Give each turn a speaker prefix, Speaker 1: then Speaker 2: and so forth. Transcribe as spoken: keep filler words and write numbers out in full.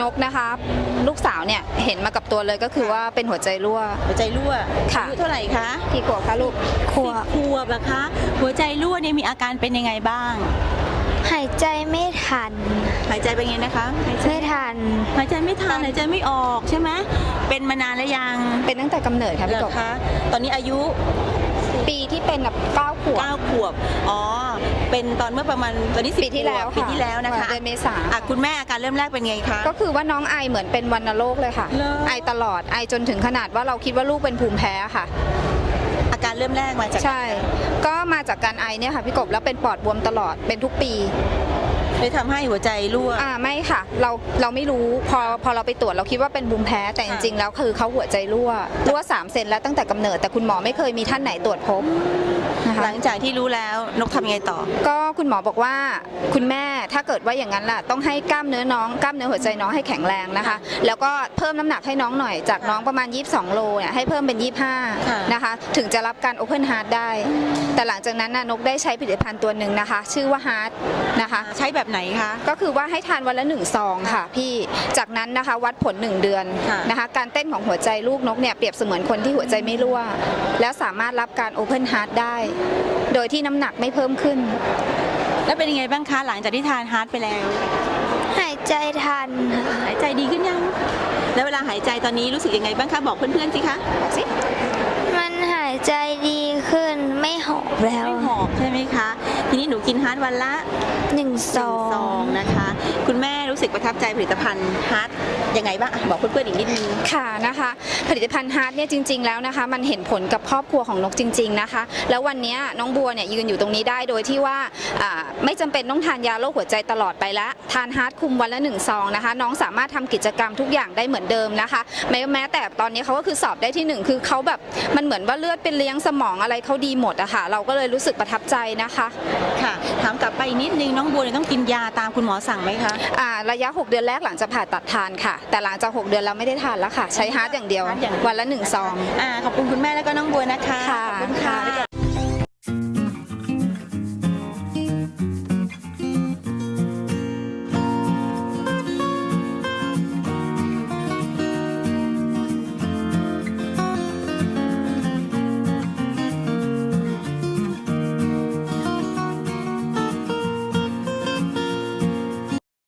Speaker 1: นกนะคะลูกสาวเนี่ยเห็นมากับตัวเลยก็คือว่าเป็นหัวใจรั่ว
Speaker 2: หัวใจรั่ว
Speaker 1: ค่ะ
Speaker 2: อายุเท่าไหร่คะ
Speaker 1: กี่ขวบคะลูกขว
Speaker 2: สิ
Speaker 1: บบ
Speaker 2: ขวบนะคะ หัวใจรั่วเนี่ยมีอาการเป็นยังไงบ้าง
Speaker 3: หายใจไม่ทัน
Speaker 2: หายใจเป็นไงนะคะหายใจ
Speaker 3: ไม่ทัน
Speaker 2: หายใจไม่ทันหายใจไม่ออกใช่ไหมเป็นมานานแล้วยัง
Speaker 1: เป็นตั้งแต่กำเนิดค่ะ
Speaker 2: เหร
Speaker 1: พี่ก
Speaker 2: อบ คะตอนนี้อายุ
Speaker 1: ปีที่เป็นแบบเก้าขวบ
Speaker 2: เก้าขวบอ๋อเป็นตอนเมื่อประมาณตอนนี้สิบ
Speaker 1: ปีที่แล้ว
Speaker 2: ปีที่แล้วนะคะ
Speaker 1: เดือนเมษา
Speaker 2: อ่ะคุณแม่อาการเริ่มแรกเป็นไงคะ
Speaker 1: ก็คือว่าน้องไอเหมือนเป็นวัณโรคเลยค่ะ
Speaker 2: เหรอ
Speaker 1: ไอตลอดไอจนถึงขนาดว่าเราคิดว่าลูกเป็นภูมิแพ้ค่ะ
Speaker 2: อาการเริ่มแรกมาจาก
Speaker 1: ใช่ ก็มาจากการไอเนี่ยค่ะพี่กบแล้วเป็นปอดบวมตลอดเป็นทุกปี
Speaker 2: เลยทำให้หัวใจรั่ว
Speaker 1: อ่าไม่ค่ะเราเราไม่รู้พอพอเราไปตรวจเราคิดว่าเป็นภูมิแพ้แต่จริงๆแล้วคือเขาหัวใจรั่วรั่วสามเซนแล้วตั้งแต่กำเนิดแต่คุณหมอไม่เคยมีท่านไหนตรวจพบนะคะ
Speaker 2: หลังจากที่รู้แล้วนกทำยังไงต่อ
Speaker 1: ก็คุณหมอบอกว่าคุณแม่ถ้าเกิดว่าอย่างนั้นล่ะต้องให้กล้ามเนื้อน้องกล้ามเนื้อหัวใจน้องให้แข็งแรงนะคะ แล้วก็เพิ่มน้ำหนักให้น้องหน่อยจากน้องประมาณยี่สิบสองโลเนี่ยให้เพิ่มเป็นยี่สิบห้า
Speaker 2: ค่ะ
Speaker 1: นะคะถึงจะรับการ Open Heart ได้ แต่หลังจากนั้นน่ะนกได้ใช้ผลิตภัณฑ์ตัวหนึ่งนะคะ ชื่อว่า Heart นะคะ
Speaker 2: ใช้แบบไหนคะ
Speaker 1: ก็คือว่าให้ทานวันละหนึ่งซองค่ะพี่จากนั้นนะคะวัดผลหนึ่งเดือน
Speaker 2: ค่ะ
Speaker 1: นะคะการเต้นของหัวใจลูกนกเนี่ยเปรียบเสมือนคนที่หัวใจไม่รั่ว แล้วสามารถรับการ Open Heart ได้ โดยที่น้ำหนักไม่เพิ่มขึ้น
Speaker 2: แล้วเป็นยังไงบ้างคะหลังจากที่ทานฮาร์ดไปแล้ว
Speaker 3: หายใจทันค่ะ
Speaker 2: หายใจดีขึ้นยัง แล้วเวลาหายใจตอนนี้รู้สึกยังไงบ้างคะบอกเพื่อนๆสิคะบอกสิ
Speaker 3: มันหายใจดีขึ้นไม่หอบแล้ว
Speaker 2: ไม่หอบใช่ไหมคะ ทีนี้หนูกินฮาร์ดวันละ
Speaker 3: หนึ่ง
Speaker 2: ห
Speaker 3: ซ
Speaker 2: นึ่
Speaker 3: อง
Speaker 2: ซอง
Speaker 3: ง
Speaker 2: นะคะ คุณแม่รู้สึกประทับใจผลิตภัณฑ์ฮาร์ดยังไงบ้างอ่ะบอกเพื่อนๆอีกนิดนึง
Speaker 1: ค่ะนะคะผลิตภัณฑ์ฮาร์ดเนี่ยจริงๆแล้วนะคะมันเห็นผลกับครอบครัวของนกจริงๆนะคะแล้ววันนี้น้องบัวเนี่ยยืนอยู่ตรงนี้ได้โดยที่ว่าอ่าไม่จำเป็นต้องทานยาโรคหัวใจตลอดไปละทานฮาร์ดคุมวันละหนึ่งซองนะคะน้องสามารถทำกิจกรรมทุกอย่างได้เหมือนเดิมนะคะแม้แม้แต่ตอนนี้เขาก็คือสอบได้ที่หนึ่งคือเขาแบบมันเหมือนว่าเลือดเป็นเลี้ยงสมองอะไรเขาดีหมดอะค่ะเราก็เลยรู้สึกประทับใจนะคะ
Speaker 2: ค่ะ ถามกลับไปอีกนิดนึงน้องบัวเนี่ยต้องกินยาตามคุณหมอสั่งไหมคะ
Speaker 1: อ่าระยะหกเดือนแรกหลังจากผ่าตัดทานค่ะ แต่หลังจากหกเดือนเราไม่ได้ทานแล้วค่ะใช้ฮาร์ดอย่างเดียว
Speaker 2: ฮาร์ทอย่างเดียว
Speaker 1: วันละหนึ่งซอง
Speaker 2: อ่าขอบคุณคุณแม่แล้วก็น้องบัวนะคะ
Speaker 1: ค่ะ
Speaker 2: ขอบคุณค่ะ